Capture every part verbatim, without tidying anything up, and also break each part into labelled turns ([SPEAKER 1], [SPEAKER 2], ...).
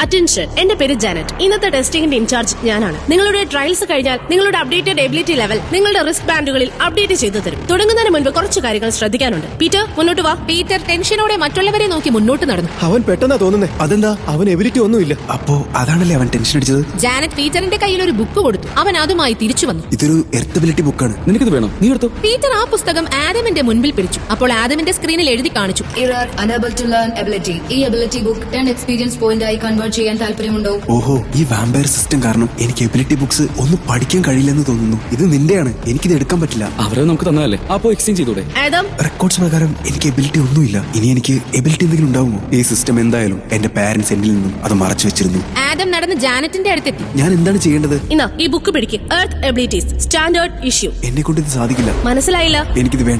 [SPEAKER 1] Attention, എന്റെ പേര് Janet. ഇന്നത്തെ ടെസ്റ്റിംഗിന്റെ ഇൻചാർജ് ഞാനാണ്. നിങ്ങളുടെ ട്രയൽസ് കഴിഞ്ഞാൽ നിങ്ങളുടെ അപ്ഡേറ്റഡ് എബിലിറ്റി ലെവൽ നിങ്ങളുടെ റിസ്ക് ബാൻഡുകളിൽ അപ്ഡേറ്റ് ചെയ്തു തരും. തുടങ്ങുന്നതിന് മുൻപ് കുറച്ച് കാര്യങ്ങൾ ശ്രദ്ധിക്കാനുണ്ട്. പീറ്റർ, മുന്നോട്ട് വാ.
[SPEAKER 2] പീറ്റർ ടെൻഷനോടെ മറ്റുള്ളവരെ നോക്കി മുന്നോട്ട് നടന്നു.
[SPEAKER 3] അവൻ പെട്ടെന്നാ തോന്നുന്നേ. അതെന്താ? അവൻ എബിലിറ്റി ഒന്നുമില്ല.
[SPEAKER 4] അപ്പോ അതാണല്ലേ അവൻ ടെൻഷൻ അടിച്ചത്.
[SPEAKER 2] ജാനറ്റ് പീറ്ററിന്റെ കയ്യിൽ ഒരു ബുക്ക് കൊടുത്തു. അവൻ അതുമായി തിരിച്ചു വന്നു.
[SPEAKER 4] ഇതൊരു എർത്തബിലിറ്റി ബുക്കാണ്. നിനക്കിത് വേണം, നീ എടുത്തോ.
[SPEAKER 2] പീറ്റർ ആ പുസ്തകം ആദമിന്റെ മുൻപിൽ പിടിച്ചു. അപ്പോൾ ആദമിന്റെ സ്ക്രീനിൽ എഴുതി കാണിച്ചു,
[SPEAKER 5] Error, unable to learn ability. ഈ ability book ten experience point ആയി കൺവേർട്ട് ചെയ്യാൻ താല്പര്യമുണ്ടോ?
[SPEAKER 4] ഓഹോ, ഈ വാമ്പയർ സിസ്റ്റം കാരണം എനിക്ക് എബിലിറ്റി ബുക്സ് ഒന്നും പഠിക്കാൻ കഴിയില്ലെന്ന് തോന്നുന്നു. ഇത് നിന്റെയാണ്, എനിക്കിത് എടുക്കാൻ പറ്റില്ല.
[SPEAKER 6] അവരെ നമുക്ക് തന്നതല്ലേ, അപ്പോ എക്സ്ചേഞ്ച് ചെയ്തൂടെ?
[SPEAKER 1] ആദം,
[SPEAKER 4] റെക്കോർഡ്സ് പ്രകാരം എനിക്ക് എബിലിറ്റി ഒന്നുമില്ല. ഇനി എനിക്ക് എബിലിറ്റി എന്തെങ്കിലും ഉണ്ടാവുമോ? ഈ സിസ്റ്റം എന്തായാലും എന്റെ പാരന്റ്സ് എന്നിൽ നിന്നും അത് മറച്ചു വെച്ചിരുന്നു.
[SPEAKER 2] ആദം നടന്ന് ജാനറ്റിന്റെ അടുത്തെത്തി.
[SPEAKER 4] ഞാൻ എന്താണ് ചെയ്യേണ്ടത്?
[SPEAKER 1] ഇന്നാ ഈ ബുക്ക് പിടിക്ക്. Earth abilities standard issue.
[SPEAKER 4] എന്നെ കൊണ്ട് ഇത് സാധിക്കില്ല.
[SPEAKER 1] മനസ്സിലായില്ല?
[SPEAKER 4] എനിക്കിത് വേണ്ട.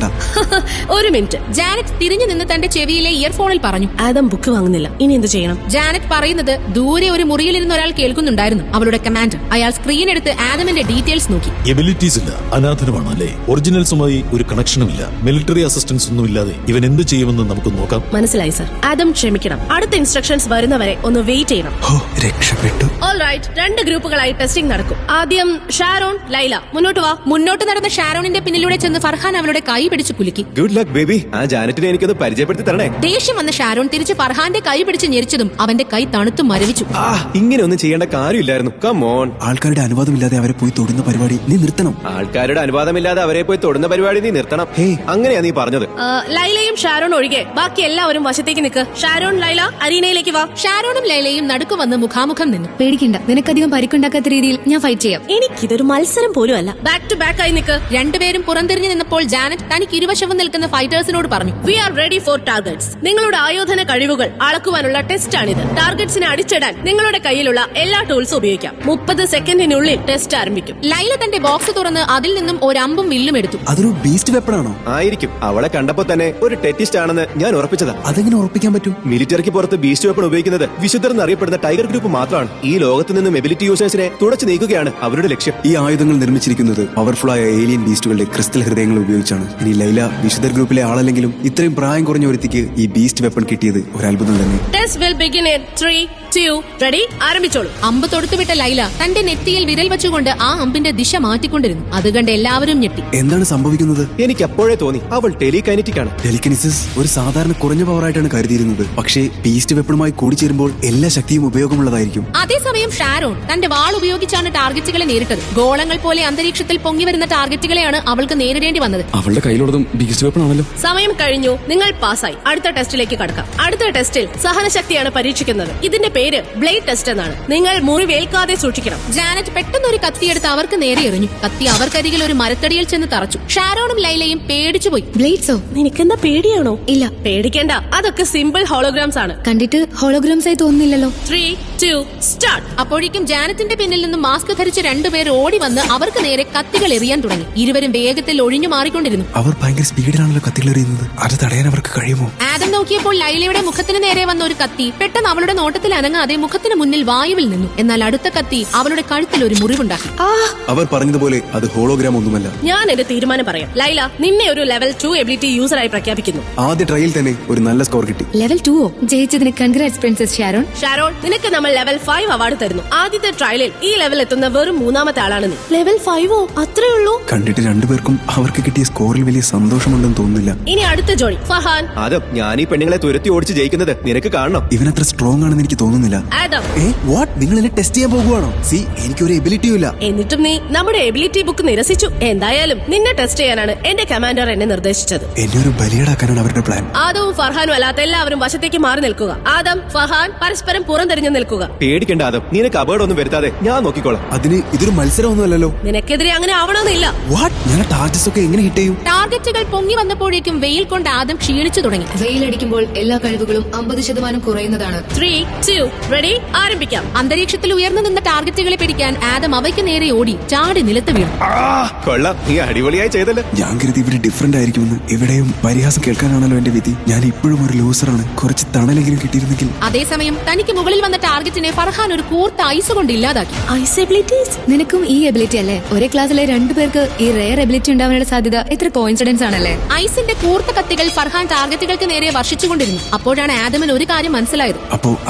[SPEAKER 1] ഒരു മിനിറ്റ്.
[SPEAKER 2] ജാനറ്റ് തിരിഞ്ഞു നിന്ന് തന്റെ ചെവിയിലെ ഇയർഫോണിൽ പറഞ്ഞു.
[SPEAKER 1] ആദം ബുക്ക് വാങ്ങുന്നില്ല. ഇനി എന്ത് ചെയ്യണം?
[SPEAKER 2] ജാനറ്റ് പറയുന്നത് ദൂരെ ഒരു മുറിയിലിരുന്ന ഒരാൾ കേൾക്കുന്നുണ്ടായിരുന്നു. അവളുടെ കമാൻഡർ. അയാൾ സ്ക്രീൻ എടുത്ത് ആദമിന്റെ ഡീറ്റെയിൽസ് നോക്കി.
[SPEAKER 7] എബിലിറ്റീസ് ഇല്ല, അനാഥനമാണ് അല്ലേ? ഒറിജിനൽസുമായി ഒരു കണക്ഷനും ഇല്ല, മിലിറ്ററി അസിസ്റ്റൻസ് ഒന്നും ഇല്ലാതെ ഇവൻ എന്ത് ചെയ്യുമെന്ന് നമുക്ക് നോക്കാം.
[SPEAKER 1] മനസ്സിലായി സർ. ആദം ക്ഷമിക്കണം. അടുത്ത ഇൻസ്ട്രക്ഷൻസ് വരുന്നവരെ ഒന്ന് വെയിറ്റ് ചെയ്യണം.
[SPEAKER 4] ഓ, രക്ഷപ്പെട്ടു.
[SPEAKER 1] ഓൾറൈറ്റ്, രണ്ട് ഗ്രൂപ്പുകളായി ടെസ്റ്റിംഗ് നടക്കും. ആദ്യം ഷാരോൺ, ലൈല. മുന്നോട്ട് വാ.
[SPEAKER 2] മുന്നോട്ട് നടന്ന ഷാരോണിന്റെ പിന്നിലൂടെ ചെന്ന് ഫർഹാൻ അവളുടെ കൈ പിടിച്ച് കുലുക്കി.
[SPEAKER 3] Good luck baby. ആ ജാനറ്റിനെ എനിക്കൊന്ന് പരിചയപ്പെടുത്തി തരണേ.
[SPEAKER 2] ദേഷ്യം വന്ന ഷാരോൺ തിരിച്ച് ഫർഹാന്റെ കൈ പിടിച്ച് ഞെരിച്ചതും അവന്റെ കൈ തണുത്തു മരവിച്ചു.
[SPEAKER 3] ആ, ഇങ്ങനെ ഒന്നും ചെയ്യേണ്ട കാര്യമില്ലായിരുന്നു. Come on.
[SPEAKER 4] ആൾക്കാരുടെ അനുവാദമില്ലാതെ അവരെ പോയി തൊടുന്ന പരിപാടി നീ നിർത്തണം.
[SPEAKER 3] ആൾക്കാരുടെ അനുവാദമില്ലാതെ അവരെ പോയി തൊടുന്ന പരിപാടി നീ നിർത്തണം. ഹേ, അങ്ങനെയാ നീ പറഞ്ഞത്.
[SPEAKER 1] ആ, ലൈലയും ഷാരോൺ ഒഴികെ ബാക്കി എല്ലാവരും വശത്തേക്ക് നിൽക്ക്. ഷാരോൺ, ലൈല, അരീനയിലേക്ക് വാ.
[SPEAKER 2] ഷാരോണും ലൈലയും നടുക്ക് വന്ന് മുഖാമുഖം നിന്നു.
[SPEAKER 5] പേടിക്കണ്ട, നിനക്കധികം പരിക്കുണ്ടാക്കാത്ത രീതിയിൽ ഞാൻ ഫൈറ്റ് ചെയ്യാം.
[SPEAKER 1] എനിക്കിതൊരു മത്സരം പോലും അല്ല. ബാക്ക് ടു ബാക്ക് ആയി നിൽക്ക്.
[SPEAKER 2] രണ്ടുപേരും പുറംതിരിഞ്ഞു നിന്നപ്പോൾ ജാനറ്റ് തനിക്ക് ഇരുവശവും നിൽക്കുന്ന ഫൈറ്റേഴ്സിനോട് പറഞ്ഞു,
[SPEAKER 1] we are ready for targets. നിങ്ങളുടെ ആയോധന കഴിവുകൾ അളക്കുവാനുള്ള ടെസ്റ്റ് ആണിത്. ടാർഗറ്റ്സിനെ അടിച്ചിടാൻ നിങ്ങളുടെ കയ്യിലുള്ള എല്ലാ ടൂൾസും ഉപയോഗിക്കാം. മുപ്പത് സെക്കൻഡിനുള്ളിൽ ടെസ്റ്റ് ആരംഭിക്കും.
[SPEAKER 2] ലൈല തന്റെ ബോക്സ് തുറന്ന് അതിൽ നിന്നും ഒരമ്പും വില്ലും എടുത്തു.
[SPEAKER 4] അതൊരു ബീസ്റ്റ് വെപ്പണാണോ?
[SPEAKER 3] ആയിരിക്കും. അവളെ കണ്ടപ്പോ തന്നെ ഒരു ടെറ്റിസ്റ്റ് ആണെന്ന് ഞാൻ ഉറപ്പിച്ചതാ.
[SPEAKER 4] അതെങ്ങനെ ഉറപ്പിക്കാൻ പറ്റും?
[SPEAKER 3] മിലിറ്ററിക്ക് പുറത്ത് ബീസ്റ്റ് വെപ്പൺ ഉപയോഗിക്കുന്നത് വിശുദ്ധർ എന്നറിയപ്പെടുന്ന ടൈഗർ ഗ്രൂപ്പ് മാത്രമാണ്. ഈ ലോകത്ത് നിന്നും എബിലിറ്റി യൂസേഴ്സിനെ തുടച്ചു നീക്കുകയാണ് അവരുടെ ലക്ഷ്യം.
[SPEAKER 4] ഈ ആയുധങ്ങൾ നിർമ്മിച്ചിരിക്കുന്നത് പവർഫുൾ ആയ ഏലിയൻ ബീസ്റ്റുകളുടെ ക്രിസ്റ്റൽ ഹൃദയങ്ങൾ ഉപയോഗിച്ചാണ്. ഇനി ലൈല വിശുദ്ധർ ഗ്രൂപ്പിലെ ആളല്ലെങ്കിലും ഇത്രയും പ്രായം കുറഞ്ഞ ഒരുത്തിക്ക് ഈ ബീസ്റ്റ് വെപ്പൺ കിട്ടിയത് ഒരു അത്ഭുതം തന്നെ.
[SPEAKER 1] Test will begin in three two ready. ആരംഭിച്ചോളൂ.
[SPEAKER 2] അമ്പ് തൊടുത്തുവിട്ട ലൈല തന്റെ നെറ്റിയിൽ വിരൽ വെച്ചുകൊണ്ട് ആ അമ്പിന്റെ ദിശ മാറ്റിക്കൊണ്ടിരുന്നു. അത് കണ്ട് എല്ലാവരും ഞെട്ടി.
[SPEAKER 4] എന്താണ് സംഭവിക്കുന്നത്?
[SPEAKER 3] എനിക്ക് അപ്പോഴേ തോന്നി അവൾ ടെലികൈനറ്റിക് ആണ്.
[SPEAKER 4] ടെലിക്കനിസിസ് ഒരു സാധാരണ കുറഞ്ഞ പവറായിട്ടാണ് കരുതിയിരുന്നത്. പക്ഷേ ബീസ്റ്റ് വെപ്പണുമായി കൂടിച്ചേരുമ്പോൾ എല്ലാ ശക്തിയും ഉപയോഗമുള്ളതായിരിക്കും.
[SPEAKER 2] അതേസമയം ഷാരോൺ തന്റെ വാൾ ഉപയോഗിച്ചാണ് ടാർഗറ്റുകളെ നേരിട്ടത്. ഗോളങ്ങൾ പോലെ അന്തരീക്ഷത്തിൽ പൊങ്ങി വരുന്ന ടാർഗറ്റുകളെയാണ് അവൾക്ക് നേരിടേണ്ടി വന്നത്.
[SPEAKER 6] അവളുടെ കയ്യിലുള്ളതും ബീസ്റ്റ് വെപ്പൺ ആണല്ലോ.
[SPEAKER 1] സമയം കഴിഞ്ഞു. നിങ്ങൾ പാസ്സായി. അടുത്ത ടെസ്റ്റിലേക്ക് കടക്കാം. അടുത്ത ടെസ്റ്റിൽ സഹനശക്തിയാണ് പരീക്ഷിക്കുന്നത്. ഇതിന്റെ പേര് ബ്ലേഡ് ടെസ്റ്റ് എന്നാണ്. നിങ്ങൾ മുറിവേൽക്കാതെ സൂക്ഷിക്കണം.
[SPEAKER 2] ജാനറ്റ് പെട്ടെന്ന് ഒരു കത്തിയെടുത്ത് അവർക്ക് നേരെ എറിഞ്ഞു. കത്തി അവർക്കരികിൽ ഒരു മരത്തടിയിൽ ചെന്ന് തറച്ചു. ഷാരോണും ലൈലയും പേടിച്ചുപോയി.
[SPEAKER 5] ബ്ലേഡ്സോ?
[SPEAKER 1] നിനക്കെന്താ പേടിയാണോ?
[SPEAKER 5] ഇല്ല.
[SPEAKER 1] പേടിക്കേണ്ട, അതൊക്കെ സിമ്പിൾ ഹോളോഗ്രാംസ് ആണ്.
[SPEAKER 5] കണ്ടിട്ട് ഹോളോഗ്രാംസ് ആയി തോന്നുന്നില്ലല്ലോ.
[SPEAKER 1] Three to start.
[SPEAKER 2] അപ്പോഴേക്കും ജാനറ്റിന്റെ പിന്നിൽ നിന്നും മാസ്ക് ധരിച്ച് രണ്ടുപേർ ഓടി വന്ന് അവർക്ക് നേരെ കത്തികൾ എറിയാൻ തുടങ്ങി. ഇരുവരും വേഗത്തിൽ ഒഴിഞ്ഞു മാറിക്കൊണ്ടിരുന്നു.
[SPEAKER 4] അവർ ഭയങ്കര സ്പീഡിലാണല്ലോ കത്തികൾ എറിയുന്നത്. അത് തടയാൻ അവർക്ക് കഴിയുമോ?
[SPEAKER 2] ആദം നോക്കിയപ്പോൾ ലൈലയുടെ മുഖത്തിന് നേരെ വന്ന ഒരു കത്തി പെട്ടെന്ന് അവളുടെ നോട്ടത്തിൽ അനങ്ങാതെ മുഖത്തിന് മുന്നിൽ വായുവിൽ നിന്നു. എന്നാൽ അടുത്ത കത്തി അവളുടെ കഴുത്തിൽ ഒരു മുറിവുണ്ടാക്കി.
[SPEAKER 4] അവർ പറഞ്ഞതുപോലെ അത് ഹോളോഗ്രാം ഒന്നുമല്ല.
[SPEAKER 1] ഞാൻ എന്റെ തീരുമാനം പറയാം. ലൈല, നിന്നെ ഒരു ലെവൽ ടു എബിലിറ്റി യൂസറായി പ്രഖ്യാപിക്കുന്നു.
[SPEAKER 4] ആദ്യ ട്രയൽ തന്നെ ഒരു നല്ല സ്കോർ കിട്ടി.
[SPEAKER 5] ലെവൽ ടു ഓ? ജയിച്ചതിന് കൺഗ്രാറ്റ്സ് പ്രിൻസസ് ഷാരോൺ.
[SPEAKER 1] ഷാരോൺ, നിനക്ക് നമ്മൾ ലെവൽ ഫൈവ് അവാർഡ് തരുന്നു. ആദ്യത്തെ ട്രയലിൽ ഈ ലെവൽ എത്തുന്ന വെറും മൂന്നാമത്തെ ആളാണ് നീ. ലെവൽ ഫൈവോ? അത്രേ ഉള്ളൂ?
[SPEAKER 4] കണ്ടിട്ട് രണ്ടുപേർക്കും അവർക്ക് കിട്ടിയ സ്കോറിൽ വലിയ സന്തോഷമുണ്ടെന്ന് തോന്നുന്നില്ല.
[SPEAKER 1] ഇനി അടുത്ത ജോഡി ഫഹാൻ.
[SPEAKER 3] ആദം, ഞാൻ ഈ പെണ്ണുങ്ങളെ തുരത്തി ഓടിച്ച് ജയിക്കുന്നത് നിനക്ക് കാണണം.
[SPEAKER 4] ഇവനത്ര സ്ട്രോങ് ആണെന്ന് എനിക്ക് തോന്നുന്നില്ല.
[SPEAKER 1] ആദം,
[SPEAKER 4] ഏ വാട്ട്? നിങ്ങൾ എന്നെ ടെസ്റ്റ് ചെയ്യാൻ പോകുവാണോ? സി, എനിക്കൊരു എബിലിറ്റിയും ഇല്ല.
[SPEAKER 1] എന്നിട്ടും നീ നമ്മുടെ എബിലിറ്റി ബുക്ക് നിരസിച്ചു. എന്തായാലും നിന്നെ ടെസ്റ്റ് ചെയ്യാനാണ് എന്റെ കമാൻഡർ എന്നെ നിർദ്ദേശിച്ചത്.
[SPEAKER 4] എന്നെ ഒരു ബലിയാടാക്കാനാണ് അവരുടെ പ്ലാൻ.
[SPEAKER 1] ആദവും ഫർഹാനും അല്ലാത്ത എല്ലാവരും വശത്തേക്ക് മാറി നിൽക്കുക. ആദം, ഫഹാൻ പരസ്പരം പുറംതിരിഞ്ഞു നിൽക്കുക.
[SPEAKER 3] പേടിക്കേണ്ട ആദം, നിനക്ക് അപകടമൊന്നും വരുത്താതെ ഞാൻ നോക്കിക്കോളാം.
[SPEAKER 4] അതിന് ഇതൊരു മത്സരമൊന്നുമല്ലല്ലോ.
[SPEAKER 1] നിനക്കെതിരെ അങ്ങനെ ആവണമെന്നില്ല.
[SPEAKER 4] വാട്ട്? ഞാൻ ടാർഗറ്റ്സ് ഒക്കെ എങ്ങനെ ഹിറ്റ് ചെയ്യും?
[SPEAKER 2] ടാർഗറ്റുകൾ പൊങ്ങി വന്നപ്പോഴേക്കും വെയിൽ കൊണ്ട് ആദം ക്ഷീണിച്ചു തുടങ്ങി.
[SPEAKER 5] വെയിലടിക്കുമ്പോൾ എല്ലാ കഴിവുകളും അമ്പത് ശതമാനം കുറയുന്നതാണ്.
[SPEAKER 1] Three two ready. ആരംഭിക്കാം.
[SPEAKER 2] അന്തരീക്ഷത്തിൽ ഉയർന്നു നിന്ന ടാർഗറ്റുകളെ പിടിക്കാൻ ആദം അവയ്ക്ക് നേരെ ഓടി ചാടി നിലത്ത് വീണു.
[SPEAKER 3] കൊള്ളാം, നീ അടിപൊളിയായി ചെയ്തല്ലോ.
[SPEAKER 4] ഞാൻ കരുതി ഇവര് ഡിഫറെന്റ് ആയിരിക്കുമെന്ന്. എവിടെയും പരിഹാസം കേൾക്കാനാണല്ലോ എന്റെ വിധി. ഞാൻ ഇപ്പോഴും ഒരു ലൂസറാണ്. കുറച്ച് തണലെങ്കിലും കിട്ടിയിരുന്നെങ്കിൽ.
[SPEAKER 2] അതേസമയം തനിക്ക് മുകളിൽ വന്ന ടാർഗറ്റിനെ ഫർഹാൻ ഒരു കൂർത്ത ഐസ് കൊണ്ട് ഇല്ലാതാക്കി.
[SPEAKER 1] Ice abilities?
[SPEAKER 5] നിനക്കും ഈ എബിലിറ്റി അല്ലേ? ഒരേ ക്ലാസ്സിലെ രണ്ടുപേർക്ക് ഈ റെയർ എബിലിറ്റി ഉണ്ടാവാനുള്ള സാധ്യത എത്ര കോയിൻസിഡൻസ് ആണല്ലേ?
[SPEAKER 2] ഐസിന്റെ കൂർത്ത കത്തികൾ ഫർഹാൻ ടാർഗറ്റുകൾക്ക് നേരെ വർഷിച്ചുകൊണ്ടിരുന്നു. അപ്പോഴാണ് ആദമിന് ഒരു കാര്യം മനസ്സിലായത്.
[SPEAKER 4] അപ്പോ അതുകൊണ്ടാണ്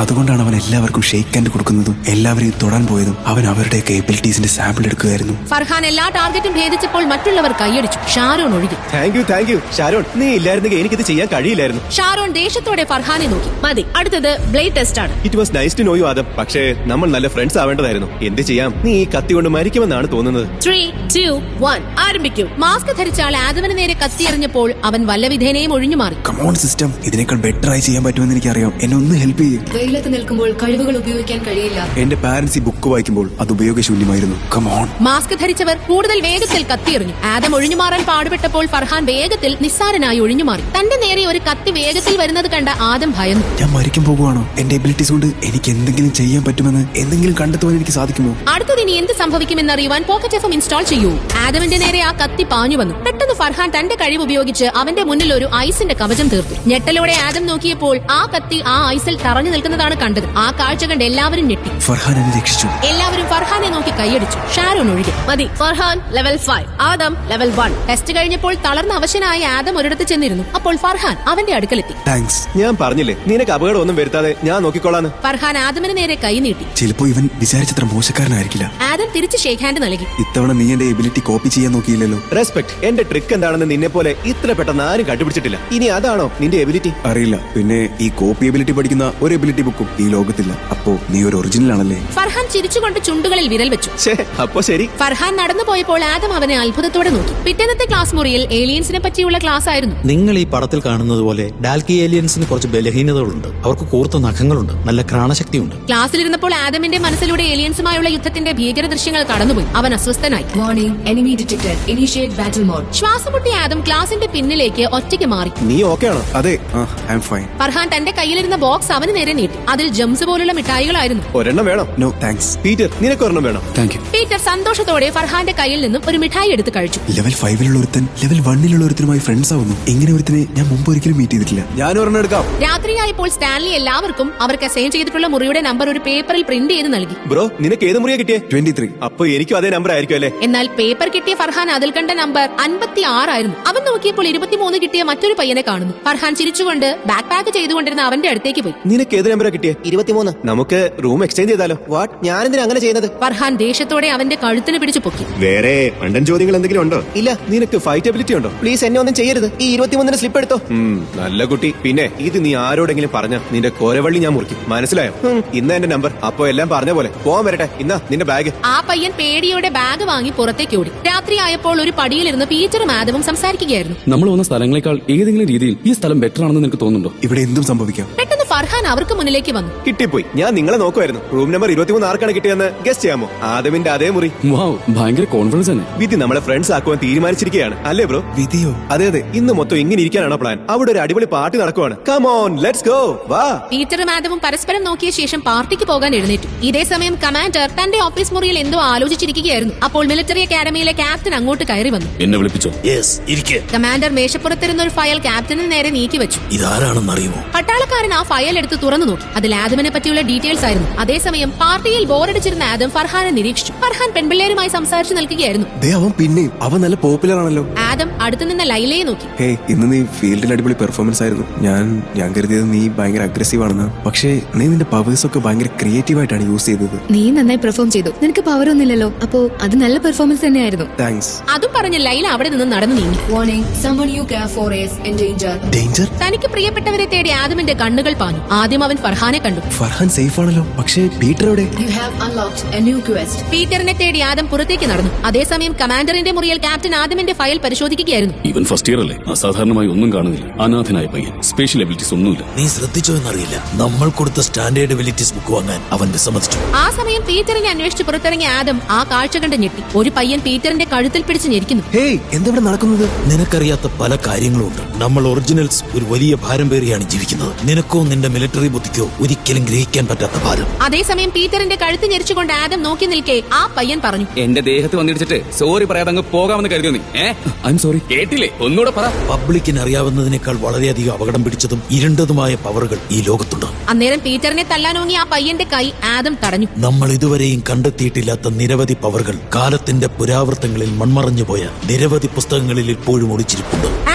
[SPEAKER 4] അവൻ എല്ലാവർക്കും ഷെയ്ക്ക് ഹാൻഡ് കൊടുക്കുന്നതും എല്ലാവരെയും തൊടാൻ പോയതും അവൻ അവരുടെയൊക്കെ എബിലിറ്റീസിന്റെ സാമ്പിൾ എടുക്കുകയായിരുന്നു.
[SPEAKER 2] ഫർഹാൻ എല്ലാ ടാർഗറ്റും ഭേദിച്ചപ്പോൾ മറ്റുള്ളവർ കൈയടിച്ചു, ഷാരോൺ ഒഴികെ.
[SPEAKER 3] Thank you thank you Sharon, നീ ഇല്ലായിരുന്നെങ്കിൽ എനിക്കിത് ചെയ്യാൻ കഴിയില്ലായിരുന്നു.
[SPEAKER 2] ഷാരോൺ ദേഷ്യത്തോടെ ഫർഹാനെ നോക്കി.
[SPEAKER 1] മതി, അടുത്തത് ബ്ലേഡ് ടെസ്റ്റ് ആണ്.
[SPEAKER 3] It was nice to know you Adam. പക്ഷേ നമ്മൾ നല്ല ഫ്രണ്ട്സ് ആവേണ്ടതായിരുന്നു. എന്ത് ചെയ്യാം, നീ ഈ കത്തി കൊണ്ട് മരിക്കുമെന്നാണ് തോന്നുന്നത്.
[SPEAKER 1] ത്രീ ടു വൺ ആരംഭിക്കൂ.
[SPEAKER 2] മാസ്ക് ധരിച്ച ആൾ ആദമിന് നേരെ കത്തിയെറിഞ്ഞപ്പോൾ അവൻ വല്ലവിധേനയും ഒഴിഞ്ഞു മാറി.
[SPEAKER 4] കമോൺ സിസ്റ്റം, ഇതിനേക്കാൾ ബെറ്റർ ആയി ചെയ്യാൻ പറ്റുമെന്ന് എനിക്കറിയാം. എന്നെ ഒന്ന് ഹെൽപ്പ് ചെയ്യും.
[SPEAKER 5] വെയിലത്ത് നിൽക്കുമ്പോൾ കഴിവുകൾ ഉപയോഗിക്കാൻ കഴിയില്ല.
[SPEAKER 4] എന്റെ പാരന്റ്സ് ഈ ബുക്ക് വായിക്കുമ്പോൾ അത് ഉപയോഗശൂന്യമായിരുന്നു. കമോൺ.
[SPEAKER 2] മാസ്ക് ധരിച്ചവർ കൂടുതൽ വേഗത്തിൽ കത്തിയെറിഞ്ഞു. ആദം ഒഴിഞ്ഞുമാറാൻ പാടുപെട്ടപ്പോൾ ഫർഹാൻ വേഗത്തിൽ നിസ്സാരനായി ഒഴിഞ്ഞുമാറി. തന്റെ നേരെ ഒരു കത്തി വേഗത്തിൽ വരുന്നത് കണ്ട ആദം ഭയന്നു.
[SPEAKER 4] ഞാൻ മരിക്കാൻ പോകുവാണോ? എന്റെ എബിലിറ്റീസ് കൊണ്ട് എനിക്ക് എന്തെങ്കിലും ചെയ്യാൻ പറ്റുമെന്ന് എന്തെങ്കിലും കണ്ടെത്തുവാൻ എനിക്ക് സാധിക്കുമോ?
[SPEAKER 2] അടുത്തത് ഇനി എന്ത് സംഭവിക്കുമെന്നറിയുവാൻ പോക്കറ്റ് എഫ് എം ഇൻസ്റ്റാൾ ചെയ്യൂ. ആദമിന്റെ നേരെ ആ കത്തി പാഞ്ഞു വന്നു. പെട്ടെന്ന് ഫർഹാൻ തന്റെ കഴിവ് ഉപയോഗിച്ച് അവന്റെ മുന്നിൽ ഒരു ഐസിന്റെ കവചം തീർത്തു. ഞെട്ടലോടെ ആദം നോക്കിയപ്പോൾ ആ കത്തി ആ ഐസിൽ തറഞ്ഞു നിൽക്കുന്നതാണ് കണ്ടത്. ആ കാഴ്ച കണ്ട് എല്ലാവരും ഞെട്ടി.
[SPEAKER 4] ഫർഹാൻ എന്നെ രക്ഷിച്ചു.
[SPEAKER 2] എല്ലാവരും ഫർഹാനെ നോക്കി കൈയടിച്ചു. ഷാരോൺ ഒഴികെ.
[SPEAKER 1] മതി, Farhan level five, Adam level one.
[SPEAKER 2] Test കഴിഞ്ഞപ്പോൾ തളർന്ന അവശനായ ആദം ഒരിടത്ത് ചെന്നിരുന്നു. അപ്പോൾ ഫർഹാൻ അവന്റെ അടുക്കലെത്തി.
[SPEAKER 4] താങ്ക്സ്.
[SPEAKER 3] ഞാൻ പറഞ്ഞില്ലേ നിനക്ക് അപകടം ഒന്നും വരുത്താതെ ഞാൻ നോക്കിക്കോളാന്ന്.
[SPEAKER 2] ഫർഹാൻ ആദമിന് നേരെ കൈ നീട്ടി.
[SPEAKER 4] ചിലപ്പോ ഇവൻ വിചാരിച്ചത്ര മോശക്കാരനായിരിക്കില്ല.
[SPEAKER 2] ആദം തിരിച്ച് ഷേക്ക് ഹാൻഡ് നൽകി.
[SPEAKER 4] ഇത്തവണ നീ എന്റെ എബിലിറ്റി കോപ്പി ചെയ്യാൻ നോക്കിയില്ലല്ലോ.
[SPEAKER 3] റെസ്പെക്ട്. എന്റെ ട്രിക്ക് എന്താണെന്ന് നിന്നെ പോലെ ഇത്ര പെട്ടെന്ന് ആരും കണ്ടുപിടിച്ചിട്ടില്ല. ഇനി അതാണോ നിന്റെ എബിലിറ്റി?
[SPEAKER 4] അറിയില്ല. പിന്നെ ഈ കോപ്പി എബിലിറ്റി പഠിക്കുന്ന ഒരു എബിലിറ്റി ബുക്കും ഈ ലോകത്തില്ല. അപ്പോ നീ ഒരു ഒറിജിനൽ ആണല്ലേ?
[SPEAKER 2] ഫർഹാൻ ചിരിച്ചുകൊണ്ട് ചുണ്ടുകളിൽ വിരൽ വെച്ചു.
[SPEAKER 3] ഛേ, അപ്പൊ ശരി.
[SPEAKER 2] ഫർഹാൻ നടന്നു പോയപ്പോൾ ആദം അവനെ അത്ഭുതത്തോടെ നോക്കി. പിറ്റേന്നത്തെ ക്ലാസ് മുറിയിൽ ഏലിയൻസിനെ പറ്റിയുള്ള ക്ലാസ് ആയിരുന്നു.
[SPEAKER 8] നിങ്ങൾ ഈ പടത്തിൽ കാണുന്നത് പോലെ ഡാൽക്കി ഏലിയൻസിന് കുറച്ച് ബലഹീനതകളുണ്ട്. അവർക്ക് കൂർത്ത നഖങ്ങളുണ്ട്, നല്ല ഘ്രാണശക്തിയുണ്ട്.
[SPEAKER 2] ക്ലാസ്സിലിരുന്നപ്പോൾ ആദമിന്റെ മനസ്സിലൂടെ ഏലിയൻസുമായുള്ള യുദ്ധത്തിന്റെ ഭീകര ദൃശ്യങ്ങൾ കടന്നുപോയി. അവൻ അസ്വസ്ഥനായി.
[SPEAKER 5] Warning, enemy detected, initiate battle mode.
[SPEAKER 2] ശ്വാസം മുട്ടിയ ആദം ക്ലാസിന്റെ പിന്നിലേക്ക് ഒറ്റയ്ക്ക് മാറി.
[SPEAKER 3] നീ ഓക്കെ ആണോ?
[SPEAKER 4] അതെ, ഐ ആം ഫൈൻ.
[SPEAKER 2] ഫർഹാൻ തന്റെ കയ്യിലിരുന്ന ബോക്സ് അവന് നേരെ നീട്ടി. അതിൽ ജംസ് പോലുള്ള മിഠായികളായിരുന്നു.
[SPEAKER 3] ഒരെണ്ണം വേണോ?
[SPEAKER 4] No thanks.
[SPEAKER 3] പീറ്റർ, നിനക്ക് ഒരെണ്ണം വേണോ?
[SPEAKER 6] Thank you.
[SPEAKER 2] പീറ്റർ സന്തോഷത്തോടെ ഫർഹാന്റെ കയ്യിൽ നിന്നും ഒരു മിഠായി എടുത്ത് കഴിച്ചു.
[SPEAKER 4] ലെവൽ ഫൈവിലുള്ള ഒരുത്തൻ ലെവൽ വണ്ണിലുള്ള ഒരുത്തനുമായി ഫ്രണ്ട്സ് ആവുന്നു. ഇങ്ങനെ ഒരുത്തനെ ഞാൻ മുമ്പ് ഒരിക്കലും മീറ്റ് ചെയ്തിട്ടില്ല. ഞാൻ ഒരെണ്ണം എടുക്കാം.
[SPEAKER 2] രാത്രിയായപ്പോൾ സ്റ്റാൻലി എല്ലാവർക്കും അവർക്ക് അസൈൻ ചെയ്തിട്ടുള്ള മുറിയുടെ നമ്പർ ഒരു പേപ്പറിൽ പ്രിന്റ് ചെയ്ത് നൽകി.
[SPEAKER 3] ബ്രോ, നിനക്ക് ഏത് മുറിയാ കിട്ടിയേ?
[SPEAKER 4] Twenty three.
[SPEAKER 3] അപ്പൊ എനിക്കും അതേ നമ്പർ ആയിരിക്കും അല്ലേ?
[SPEAKER 2] എന്നാൽ പേപ്പർ കിട്ടിയ ഫർഹാൻ അതിൽ കണ്ട നമ്പർ അൻപത്തി ആറായിരുന്നു. അവൻ നോക്കിയപ്പോൾ ഇരുപത്തിമൂന്ന് കിട്ടിയ മറ്റൊരു പയ്യനെ കാണുന്നു. ഫർഹാൻ ചിരിച്ചുകൊണ്ട് ബാക്ക് പാക്ക് ചെയ്തുകൊണ്ടിരുന്ന അവന്റെ അടുത്തേക്ക് പോയി.
[SPEAKER 3] നിനക്ക് ഏത് നമ്പറാ കിട്ടിയേ? ഇരുപത്തിമൂന്ന്. നമുക്ക് റൂം എക്സ്ചേഞ്ച് ചെയ്താലോ? വാട്ട്, ഞാൻ എന്തിനാ അങ്ങനെ ചെയ്യുന്നത്?
[SPEAKER 2] ഫർഹാൻ ദേഷ്യത്തോടെ അവന്റെ കഴുത്തിന് പിടിച്ചു പൊക്കി.
[SPEAKER 3] വേറെ മണ്ടൻ ചോദ്യങ്ങൾ എന്തെങ്കിലും ഉണ്ടോ? ഇല്ല. നിനക്ക് ഫൈറ്റ് എബിലിറ്റി ഉണ്ടോ? പ്ലീസ് എന്നെ ഒന്നും ചെയ്യരുത്. ഈ ഇരുപത്തിമൂന്നിന് സ്ലിപ്പ് എടുത്തോ. നല്ല കുട്ടി. പിന്നെ ഇത് നീ ആരോടെങ്കിലും പറഞ്ഞ നിന്റെ കോരവള്ളി ഞാൻ മുറിക്കും, മനസ്സിലായോ? ഇന്ന എന്റെ നമ്പർ. അപ്പൊ എല്ലാം പറഞ്ഞ പോലെ പോവാൻ വരട്ടെ. ഇന്നാ നിന്റെ ബാഗ്.
[SPEAKER 2] ആ പയ്യൻ പേടിയോടെ ബാഗ് വാങ്ങി പുറത്തേക്ക് ഓടി. രാത്രിയായപ്പോൾ ഒരു പടിയിലിരുന്ന് പീറ്ററും ആദവും സംസാരിക്കുകയായിരുന്നു.
[SPEAKER 6] നമ്മൾ വന്ന സ്ഥലങ്ങളെക്കാൾ ഏതെങ്കിലും രീതിയിൽ ഈ സ്ഥലം ബെറ്റർ ആണെന്ന് നിനക്ക് തോന്നുന്നുണ്ടോ?
[SPEAKER 4] ഇവിടെ എന്തും സംഭവിക്കാം.
[SPEAKER 2] പെട്ടെന്ന് ഫർഹാൻ അവർക്ക് മുന്നിലേക്ക് വന്നു.
[SPEAKER 3] കിട്ടിപ്പോയി. ഞാൻ നിങ്ങളെ നോക്കുമായിരുന്നു. റൂം നമ്പർ ഇരുപത്തിമൂന്ന് ആർക്കാണ് കിട്ടിയെന്ന് ഗസ്റ്റ് ചെയ്യാമോ? ആദമിന്റെ അതേ മുറി.
[SPEAKER 6] വാവ്, ഭയങ്കര കോൺഫിഡൻസ് തന്നെ.
[SPEAKER 3] വിധി നമ്മളെ ഫ്രണ്ട്സ് ആക്കുവാൻ തീരുമാനിച്ചിരിക്കുകയാണ് അല്ലേ ബ്രോ?
[SPEAKER 4] വിധിയോ?
[SPEAKER 3] അതെ അതെ. ഇന്ന് മൊത്തം ഇങ്ങനെ ഇരിക്കാനാണോ പ്ലാൻ? അവിടെ ഒരു അടിപൊളി പാർട്ടി നടക്കുവാണ്. Come on, let's go. വാ.
[SPEAKER 2] പീറ്ററും ആദവും പരസ്പരം നോക്കിയ ശേഷം പാർട്ടിക്ക് പോകാൻ എഴുന്നേറ്റു. ഇതേ സമയം കമാൻഡർ തന്റെ ഓഫീസ് മുറിയിൽ എന്തോ ആലോചിച്ചിരിക്കുകയായിരുന്നു. അപ്പോൾ മിലിറ്ററി അക്കാദമിയിലെ ക്യാപ്റ്റൻ അങ്ങോട്ട് കയറി വന്നു.
[SPEAKER 6] എന്നെ വിളിപ്പിച്ചോ?
[SPEAKER 8] യെസ്, ഇരിക്കെ.
[SPEAKER 2] കമാൻഡർ മേശപ്പുറത്തിരുന്ന ഒരു ഫയൽ ക്യാപ്റ്റന് നേരെ നീക്കി വെച്ചു.
[SPEAKER 8] ഇതാരാണെന്ന് അറിയുമോ?
[SPEAKER 2] പട്ടാളക്കാരൻ ആ ഫയൽ എടുത്ത് തുറന്നു നോക്കി. അതിൽ ആദമിനെ പറ്റിയുള്ള ഡീറ്റെയിൽസ് ആയിരുന്നു. അതേസമയം പാർട്ടിയിൽ ബോറടിച്ചിരുന്ന ആദം ഫർഹാനെ നിരീക്ഷിച്ചു. ഫർഹാൻ പെൺപിള്ളേരുമായി സംസാരിച്ചു നിൽക്കുകയായിരുന്നു.
[SPEAKER 4] ദേ അവൻ പിന്നെയും അവൻ നല്ല പോപ്പുലർ ആണല്ലോ.
[SPEAKER 2] ആദം അടുത്തു നിന്ന ലൈലയെ നോക്കി.
[SPEAKER 4] ഹേ, ഇന്ന് നീ ഫീൽഡിൽ അടിപൊളി പെർഫോമൻസ് ആയിരുന്നു. ഞാൻ ഞാൻ കരുതിയത് നീ ഭയങ്കര അഗ്രസീവ് ആണെന്ന്. പക്ഷേ നീ നിന്റെ പവേഴ്സ് ഒക്കെ ഭയങ്കര ക്രിയേറ്റീവ് ആയിട്ടാണ് യൂസ് ചെയ്തത്.
[SPEAKER 5] നീ നന്നായി പെർഫോം ചെയ്തു. നിനക്ക് പവർ ഒന്നുമില്ലല്ലോ, അപ്പോ അത് നല്ല പെർഫോമൻസ് തന്നെയായിരുന്നു.
[SPEAKER 4] താങ്ക്സ്.
[SPEAKER 2] അതും പറഞ്ഞ് ലൈല അവിടെ നിന്ന് നടന്നു നീങ്ങി.
[SPEAKER 5] Warning, someone you care for is in danger.
[SPEAKER 4] Danger?
[SPEAKER 2] തനിക്ക് പ്രിയപ്പെട്ടവരെ തേടി ആദമിന്റെ കണ്ണുകൾ പാഞ്ഞു. ആദ്യം അവൻ ഫർഹാനെ കണ്ടു.
[SPEAKER 4] ഫർഹാൻ സേഫ് ആണല്ലോ. പക്ഷേ പീറ്റർ എവിടെ?
[SPEAKER 5] You have unlocked a new quest.
[SPEAKER 2] പീറ്ററിനെ തേടി ആദം പുറത്തേക്ക് നടന്നു. അതേസമയം കമാൻഡറിന്റെ മുറിയിൽ ക്യാപ്റ്റൻ ആദമിന്റെ ഫയൽ പരിശോധിക്കുകയായിരുന്നു.
[SPEAKER 6] ഇവൻ ഫസ്റ്റ് ഇയർ അല്ലേ? അസാധാരണമായി ഒന്നും കാണുന്നില്ല. അനാഥനായ പയ്യൻ, സ്പെഷ്യൽ എബിലിറ്റീസ് ഒന്നുമില്ല.
[SPEAKER 8] നീ ശ്രദ്ധിച്ചോ എന്നറിയില്ല, നമ്മൾ കൊടുത്ത സ്റ്റാൻഡേർഡ് എബിലിറ്റീസ് ബുക്ക് വാങ്ങാൻ അവൻ വിസമ്മതിച്ചു.
[SPEAKER 2] ആ സമയം പീറ്ററിനെ അന്വേഷിച്ച് പുറത്തിറങ്ങിയ ആദം ആ കാഴ്ച കണ്ട് ഞെട്ടി. ഒരു പയ്യൻ പീറ്ററിന്റെ കഴുത്തിൽ പിടിച്ച് ഞെരിക്കുന്നു.
[SPEAKER 4] ഹേയ്, എന്താ നടക്കുന്നത്?
[SPEAKER 8] നിനക്കറിയാത്ത പല കാര്യങ്ങളുണ്ട്. നമ്മൾ ഒറിജിനൽസ് ഒരു വലിയ ഭാരം പേറിയാണ് ജീവിക്കുന്നത്. നിനക്കോ നിന്റെ മിലിറ്ററി ബുദ്ധിക്കോ ഒരിക്കലും ഗ്രഹിക്കാൻ പറ്റാത്ത ഭാരം.
[SPEAKER 2] അതേസമയം പീറ്ററിന്റെ കഴുത്ത് ഞെരിച്ചുകൊണ്ട് ആദം നോക്കി നിൽക്കെ ആ പയ്യൻ പറഞ്ഞു,
[SPEAKER 6] എന്റെ ദേഹത്ത് വന്നിടിച്ചിട്ട് സോറി പറയാതെ അങ്ങ് പോകാമെന്ന് കരുതിയോ നീ? I am sorry. കേട്ടില്ലേ? ഒന്നുകൂടെ പറ.
[SPEAKER 8] പബ്ലിക്കിന് അറിയാവുന്നതിനേക്കാൾ വളരെയധികം അപകടം പിടിച്ചതും ഇരുണ്ടതുമായ പവറുകൾ ഈ ലോകത്തുണ്ട്.
[SPEAKER 2] അന്നേരം പീറ്ററിനെ തല്ലാനോങ്ങി ആ പയ്യന്റെ കൈ ആദം തടഞ്ഞു.
[SPEAKER 8] നമ്മൾ ഇതുവരെയും കണ്ടെത്തിയിട്ടില്ലാത്ത നിരവധി പവറുകൾ കാലത്തിന്റെ പുരാവൃത്തങ്ങളിൽ മൺമറഞ്ഞുപോയ നിരവധി പുസ്തകങ്ങളിൽ ഇപ്പോഴും ഒളിച്ചിരിപ്പുണ്ട്.
[SPEAKER 2] ആദം ആ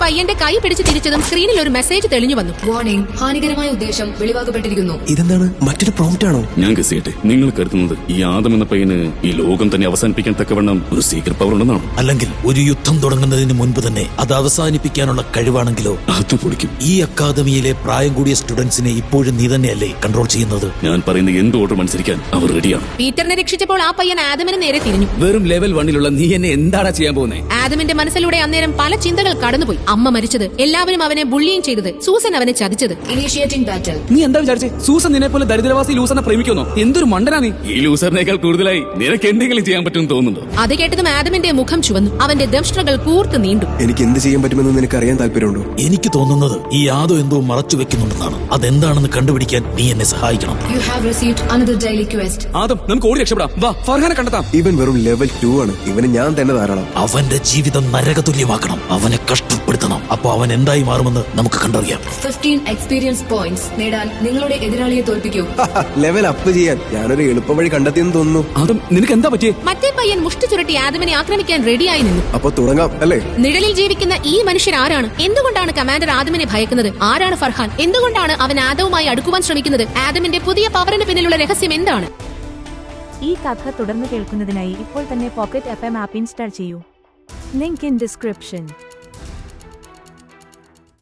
[SPEAKER 2] പയ്യന്റെ കൈ പിടിച്ച് തിരിച്ചതും സ്ക്രീനിൽ ഒരു മെസ്സേജ് തെളിഞ്ഞു വന്നു.
[SPEAKER 5] വാർണിംഗ്, ഹാനികരമായ ഉദ്ദേശം വെളിവാക്കപ്പെട്ടിരിക്കുന്നു.
[SPEAKER 3] ഇതെന്താണ്, മറ്റൊരു പ്രോംപ്റ്റ് ആണോ?
[SPEAKER 6] ഞാൻ ഗസ് ചെയ്യട്ടെ, നിങ്ങൾ കരുതുന്നത് ഈ ആദം എന്ന പയ്യന് ഈ ലോകം തന്നെ അവസാനിപ്പിക്കാൻ തക്കവണ്ണം ഒരു സീക്രട്ട് പവർ ഉണ്ടെന്നാണ്?
[SPEAKER 8] അല്ലെങ്കിൽ ഒരു യുദ്ധം തുടങ്ങുന്നതിന് മുൻപ് തന്നെ അത് അവസാനിപ്പിക്കാനുള്ള കഴിവാണെങ്കിലോ?
[SPEAKER 6] അത് പൊളിക്കും.
[SPEAKER 8] ഈ അക്കാദമിയിലെ പ്രായം കൂടിയ സ്റ്റുഡൻസിനെ ഇപ്പോഴും നീ തന്നെയല്ലേ കൺട്രോൾ ചെയ്യുന്നത്?
[SPEAKER 6] ഞാൻ പറയുന്ന എന്ത് ഓർഡർ അനുസരിക്കാൻ അവർ റെഡിയാണ്.
[SPEAKER 2] പീറ്ററിനെ രക്ഷിച്ചപ്പോൾ ആ പയ്യൻ ആദമിന് നേരെ തിരിഞ്ഞു.
[SPEAKER 6] വെറും ലെവൽ വണ്ണിലുള്ള നീ എന്നെ എന്താടാ ചെയ്യാൻ പോകുന്നേ?
[SPEAKER 2] ആദമിന്റെ മനസ്സിലൂടെ അന്നേരം പല ചിന്തകൾ കടന്നുപോയി. അമ്മ മരിച്ചത്, എല്ലാവരും അവനെ ബുള്ളിയും ചെയ്തത്, സൂസൻ അവനെ ചതിച്ചത്.
[SPEAKER 5] Initiating battle.
[SPEAKER 6] നീ എന്താ വിചാരിച്ചേ? സൂസൻ നിന്നെ പോലെ ദരിദ്രവാസി ലൂസറിനെ പ്രേമിക്കുന്നോ? എന്തൊരു മണ്ടനാ നീ! ഈ ലൂസറിനേക്കാൾ കൂടുതലായി നിനക്ക് എന്തെങ്കിലും ചെയ്യാൻ പറ്റുമെന്ന് തോന്നുന്നുണ്ടോ?
[SPEAKER 2] അത് കേട്ടതും ആദമിന്റെ മുഖം ചുവന്നു. അവന്റെ ദംഷ്ട്രകൾ കൂർത്ത് നീണ്ടു.
[SPEAKER 4] എനിക്ക് എന്ത് ചെയ്യാൻ പറ്റുമെന്ന് നിനക്ക് അറിയാൻ താല്പര്യമുണ്ടോ?
[SPEAKER 8] എനിക്ക് തോന്നുന്നത് ഈ യാദവ് എന്തോ മറച്ചു വെക്കുന്നുണ്ടെന്നാണ്. അതെന്താണെന്ന് കണ്ടുപിടിക്കാൻ നീ എന്നെ സഹായിക്കണം.
[SPEAKER 5] You have received another daily quest.
[SPEAKER 6] Adam, നമുക്ക് ഓടി രക്ഷപ്പെടാം. വാ, ഫർഹാനെ കണ്ടെത്താം.
[SPEAKER 4] ഇവൻ വെറും ലെവൽ ടു ആണ്. ഇവന് ഞാൻ തന്നെ ധാരാളം.
[SPEAKER 8] അവന്റെ ജീവിതം നരകതുല്യമാക്കണം. അവനെ കഷ്ടപ്പെടുത്തണം. അപ്പൊ അവൻ എന്തായി മാറുമെന്ന് നമുക്ക് കണ്ടറിയാം.
[SPEAKER 5] fifteen experience points നേടാൻ നിങ്ങളുടെ എതിരാളിയെ തോൽപ്പിക്കൂ.
[SPEAKER 4] ലെവൽ അപ്പ് ചെയ്യാൻ ഞാനൊരു എളുപ്പ വഴി കണ്ടെത്തിയെന്ന് തോന്നുന്നു.
[SPEAKER 6] ആദം, നിനക്ക് എന്താ പറ്റിയേ?
[SPEAKER 2] മറ്റേ പയ്യൻ മുഷ്ടി ചുരുട്ടി ആദമിനെ ആക്രമിക്കാൻ റെഡിയായി നിന്നു.
[SPEAKER 4] അപ്പൊ തുടങ്ങാം അല്ലേ?
[SPEAKER 2] നിഴലിൽ ജീവിക്കുന്ന ഈ മനുഷ്യർ ആരാണ്? എന്തുകൊണ്ടാണ് കമാൻഡർ ആദമിനെ ഭയക്കുന്നത്? ആരാണ് ഫർഹാൻ? എന്തുകൊണ്ടാണ് അവൻ ആദവുമായി അടുക്കുവാൻ ശ്രമിക്കുന്നത്? ആദമിന്റെ പുതിയ പവറിന് പിന്നിലുള്ള രഹസ്യം എന്താണ്?
[SPEAKER 9] ഈ കഥ തുടർന്ന് കേൾക്കുന്നതിനായി ഇപ്പോൾ തന്നെ pocket F M app install ചെയ്യൂ. Link in description.